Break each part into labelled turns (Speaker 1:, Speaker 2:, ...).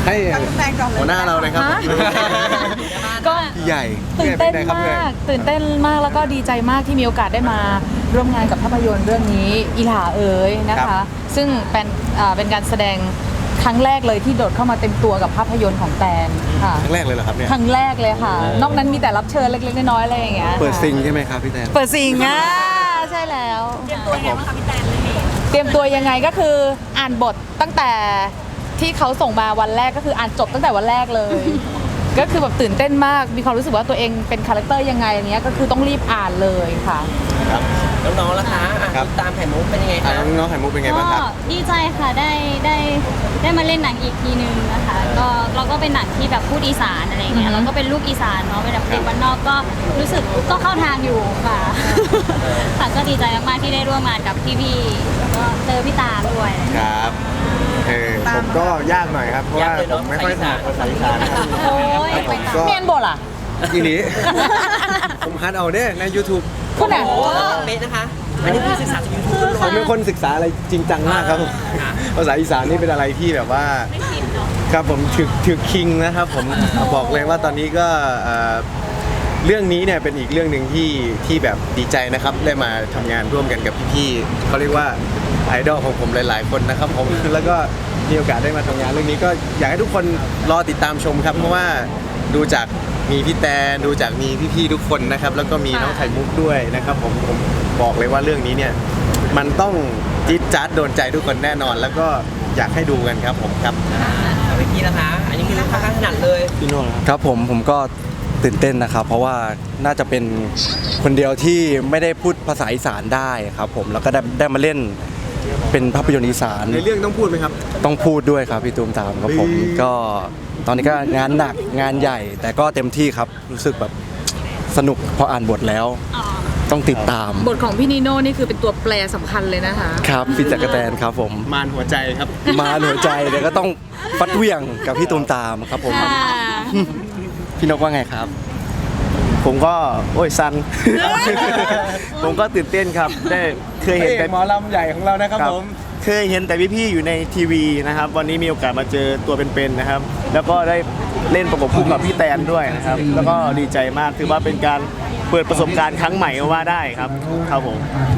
Speaker 1: ให้หัวหน้าเราเลยครับ
Speaker 2: ก็
Speaker 1: ใหญ่
Speaker 2: ตื่นเต้นมากแล้วก็ดีใจมากที่มีโอกาสได้มาร่วมงานกับภาพยนตร์เรื่องนี้อีหลาเอ๋ยนะคะ ซึ่งเป็นการแสดงครั้งแรกเลยที่โดดเข้ามาเต็มตัวกับภาพยนตร์ของแตนค่ะ
Speaker 1: ครั้งแรกเลยเหรอครับเนี่ย
Speaker 2: ครั้งแรกเลยค่ะนอกนั้นมีแต่รับเชิญเล็กๆน้อยๆอะไรอย่างเงี้ย
Speaker 1: เปิดซิงใช่ไหมครับพี่แตน
Speaker 2: เปิดซิงใช่แล้วเตรียมตัวยังไงบ้างคะพี่แตนเตรียมตัวยังไงก็คืออ่านบทตั้งแต่ที่เขาส่งมาวันแรกก็คืออ่านจบตั้งแต่วันแรกเลย ก็คือแบบตื่นเต้นมากมีความรู้สึกว่าตัวเองเป็นคาแรคเตอร์ยังไงอย่างเงี้ยก็คือต้องรีบอ่านเลยค่ะ
Speaker 1: ครับ
Speaker 3: น้องๆล่ะคะตามไข่มุกเป็นยังไงคะ
Speaker 1: น้องไข่มุกเป็นไงบ้างครับ
Speaker 4: ดีใจค่ะได้มาเล่นหนังอีกทีนึงนะคะก็เราก็เป็นหนังที่แบบพูดอีสานอะไรเงี้ยเราก็เป็นลูกอีสานเนาะเป็นแบบเด็กบ้านนอกก็รู้สึกก็เข้าทางอยู่ค่ะค่ะก็ดีใจมากๆที่ได้ร่วมงานกับพี่ๆแล้วก็เจอพี่ตาด้วย
Speaker 1: ครับผมก็ยากหน่อยครับเพราะว่าผมไม่ค่อยถนัดภาษาอีสานครับ
Speaker 2: โอ้ยเมียนบทล่ะ
Speaker 1: ทีนี้ผมคัดเอาเนี่ยใน YouTube
Speaker 2: คุณอ่ะ
Speaker 3: เป๊ะนะคะอันนี้คือศึกษาจากยูทูบ
Speaker 1: ผมเป็นคนศึกษาอะไรจริงจังมากครับภาษาอีสานนี่เป็นอะไรที่แบบว่าครับผมถือคิงนะครับผมบอกเลยว่าตอนนี้ก็เรื่องนี้เนี่ยเป็นอีกเรื่องหนึ่งที่แบบดีใจนะครับได้มาทำงานร่วมกันกับพี่ๆเขาเรียกว่าไอดอลของผมหลายๆคนนะครับผมแล้วก็มีโอกาสได้มาทำงานเรื่องนี้ก็อยากให้ทุกคนรอติดตามชมครับเพราะว่าดูจากมีพี่แตนดูจากมีพี่ๆทุกคนนะครับแล้วก็มีน้องไข่มุกด้วยนะครับผมบอกเลยว่าเรื่องนี้เนี่ยมันต้องจี๊ดจ๊าดโดนใจทุกคนแน่นอนแล้วก็อยากให้ดูกันครับผมครับ
Speaker 3: พี่นะคะอันนี้คือค่อนข้างถนัดเลย
Speaker 1: พี่โน่
Speaker 5: ครับผมก็ตื่นเต้นนะครับเพราะว่าน่าจะเป็นคนเดียวที่ไม่ได้พูดภาษาอีสานได้ครับผมแล้วก็ได้มาเล่นเป็นภาพยนตร์อีสาน
Speaker 1: ในเรื่องต้องพูดไหมครับ
Speaker 5: ต้องพูดด้วยครับพี่ตูมตามครับผมก็ตอนนี้ก็งานหนักงานใหญ่แต่ก็เต็มที่ครับรู้สึกแบบสนุกพออ่านบทแล้วต้องติดตาม
Speaker 2: บทของพี่นีโน่นี่คือเป็นตัวแปรสำคัญเลยนะคะ
Speaker 5: ครับพี่จักรแตนครับผม
Speaker 1: มารหัวใจครับ
Speaker 5: มารหัวใจเดี๋ยวก็ต้องฟัดเหวี่ยงกับพี่ตูมตามครับผมพี่นกว่าไงครับ
Speaker 6: ผมก็โอ้ยซัน ผมก็ตื่นเต้นครับได้เคยเห็นแต่
Speaker 1: หมอลำใหญ่ของเรานะครับผม
Speaker 6: เคยเห็นแต่พี่ๆอยู่ในทีวีนะครับวันนี้มีโอกาสมาเจอตัวเป็นๆนะครับแล้วก็ได้เล่นประกบคู่กับพี่แตนด้วยนะครับแล้วก็ดีใจมากถือว่าเป็นการเปิดประสบการณ์ครั้งใหม่ก็ว่าได้ครับครับผม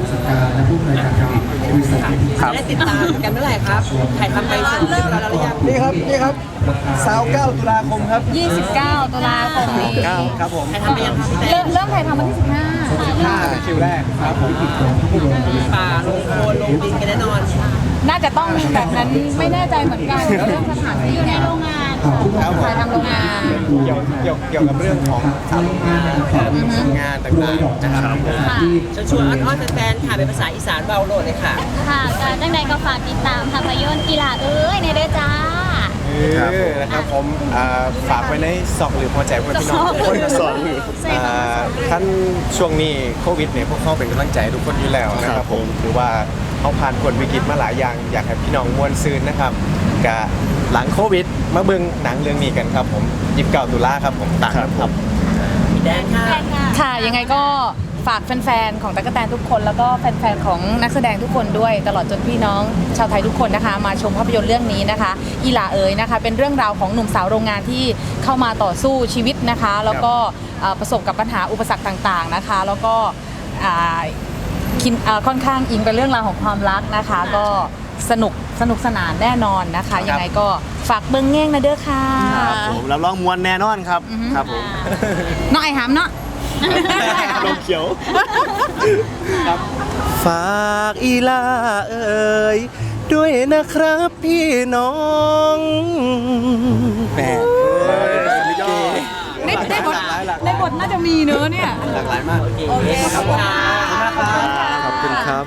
Speaker 3: ได้ติดตามกันเมื่อไหร่ครับถ่ายทำไปเสร็จเรียบร้อยแล้วหรือยัง
Speaker 1: นี่ครับ29 ตุลาคมครับ
Speaker 2: 29 ตุลาคมนี้
Speaker 1: ครับผม
Speaker 3: ถ่ายทำไปยังครับ
Speaker 2: เริ่มถ่ายทำวันที่
Speaker 1: 15คิวแรกครับผม
Speaker 3: ป่าลงโคลนลงดินกันแน่นอน
Speaker 2: น่าจะต้องแบบนั้นไม่แน่ใจเหมือนกันเรื่องสถานที่ในโรงงานถ่ายทำโรงงาน
Speaker 1: เกี่ยวกับเรื่องของงานต่างๆนะครับ
Speaker 3: ชวนอ้อนแฟนๆค่ะเป็นภาษาอีสานเบาโหลดเลยค่ะ
Speaker 4: ค่ะการตั้งใจก็ฝากติดตามภาพยนตร์อีหลาเอ้ยในเด้อจ้า
Speaker 1: นะครับผมฝากไว้ในซอกหรือพอใจเพื่อนพี่น้องคนสอนท่านช่วงนี้โควิดเนี่ยพวกเขาเป็นกำลังใจทุกคนอยู่แล้วนะครับผมหรือว่าเขาผ่านผลวิกฤตมาหลายอย่างอยากให้พี่น้องมวลซืนนะครับกับหลังโควิดมาเบิ่งหนังเรื่องนี้กันครับผม29 ตุลาครับผมต่างครับ
Speaker 3: พี่แดน
Speaker 2: ค่ะยังไงก็ฝากแฟนๆของตั๊กแตนทุกคนแล้วก็แฟนๆของนักแสดงทุกคนด้วยตลอดจนพี่น้องชาวไทยทุกคนนะคะมาชมภาพยนตร์เรื่องนี้นะคะอีหลาเอ๋ยนะคะเป็นเรื่องราวของหนุ่มสาวโรงงานที่เข้ามาต่อสู้ชีวิตนะคะแล้วก็ประสบกับปัญหาอุปสรรคต่างๆนะคะแล้วก็ค่อนข้างอิงเป็นเรื่องราวของความรักนะคะก็สนุกสนานแน่นอนนะคะยังไงก็ฝากเบิ้งแง่งนะเด้อค่ะ
Speaker 6: ผมรับรองมวลแน่นอนครับครับผม
Speaker 2: น้องไอ้หามเนาะ
Speaker 6: ลมเขียว
Speaker 5: ฝากอีลาเอ๋ยด้วยนะครับพี่น้องแหม
Speaker 2: ในบทน่าจะมีเนื้อเนี่ย
Speaker 1: หลากหลายมาก
Speaker 2: โอเคขอบคุณ
Speaker 5: ขอบคุณครับ